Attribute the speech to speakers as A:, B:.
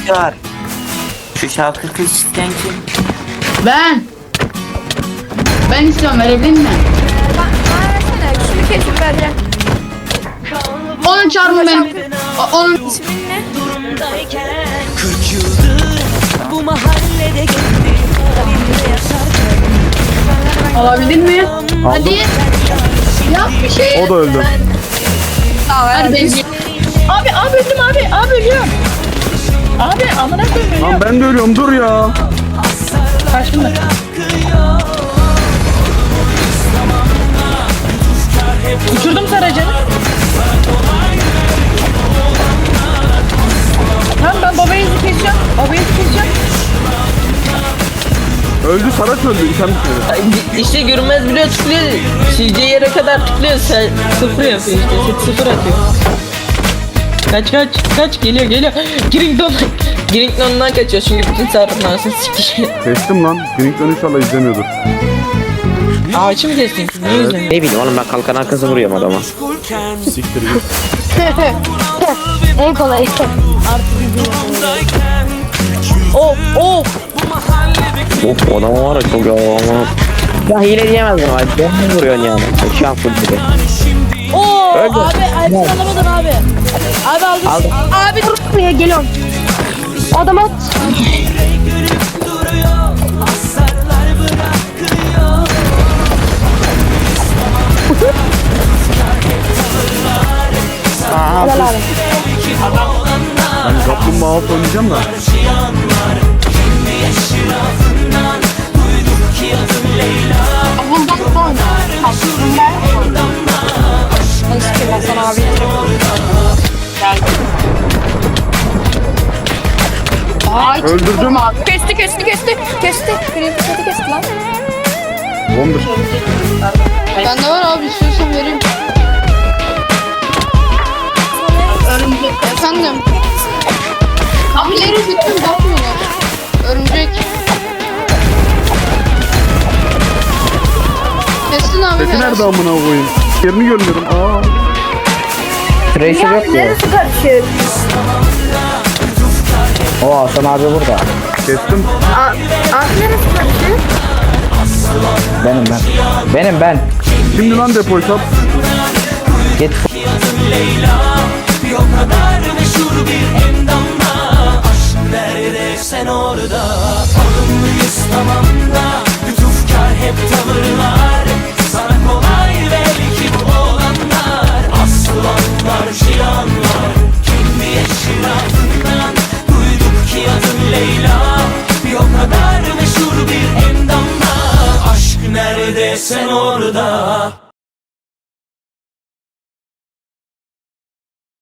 A: var. Şu şarkı kız isteyen kim?
B: Ben istiyorum, verebilir miyim?
C: Bana versene. Şunu kesip vereceğim.
B: Onun çarmı ben. Onun
C: İsmin ne?
D: Kırk yıldır bu mahallede gezdim. Halimde yaşarken
B: alabilir mi? Hadi. Yap bir şey.
E: O da öldü.
B: Hadi ben.
F: Abi öldüm abi. Abi ölüyorum. Abi amına koyayım
E: Lan
F: ölüyorum.
E: ben de ölüyorum, dur ya.
F: Karşımda. Uçurdum saracını. Tamam ben babayı keseceğim. Babayı keseceğim.
E: Öldü, Saraç öldü. İtem bitmedi.
G: İşte görünmez bile tıklıyor. Sileceği yere kadar tıklıyor. Sen sıfır yapıyor işte. Sıfır atıyor. Kaç geliyor. Grington'dan kaçıyor çünkü bütün sarıkın arasını sikişiyor.
E: Kestim lan. Grink'ten inşallah izlemiyordur.
G: Ağaçı mı kestin? Ne yüzden?
A: Ne bileyim oğlum, ben kalkan arkası vuruyorum adama.
E: Siktir git.
C: En kolay.
G: Of.
A: Of, adam var ya çok ya ama. Ya hile diyemezdim abi. Ben mi vuruyorsun yani? Şu an full gibi.
F: Oo
A: Öldü.
F: abi ayıpsın alamadın abi. Abi aldım.
A: Aldım.
C: Abi dur buraya geliyorum. Adam at. Helal abi.
E: Ben kaplumbağa alıp oynayacağım da.
B: Bundan sonra.
C: Hasan abi.
B: Ay,
E: Öldürdüm.
C: Kesti. Green Fish'e kesti lan.
E: 11.
B: bende var abi, istiyorsan vereyim. Örümcek. Efendim. Kabileri bütün bakmıyorlar. Örümcek. Kestin abi.
E: Sesi nerede amına koyayım? Yerini görmüyorum. Aa.
A: Tracer yok ki.
C: Neresi karışık?
A: O Hasan abi burada.
E: Kestim.
C: Abi neresi karışık?
A: Benim.
E: Şimdi lan depoyu sat.
A: Git.
D: bir o kadar meşhur bir endamla. Aşk nerede sen orada? Alımlıyız tamam da lütufkar hep tavırlar. Sana kolay belki bu olanlar. Aslanlar cihanlar. Kendi yeşil altından duyduk ki adın Leyla. Bir o kadar meşhur bir endamla. Aşk nerede sen orada?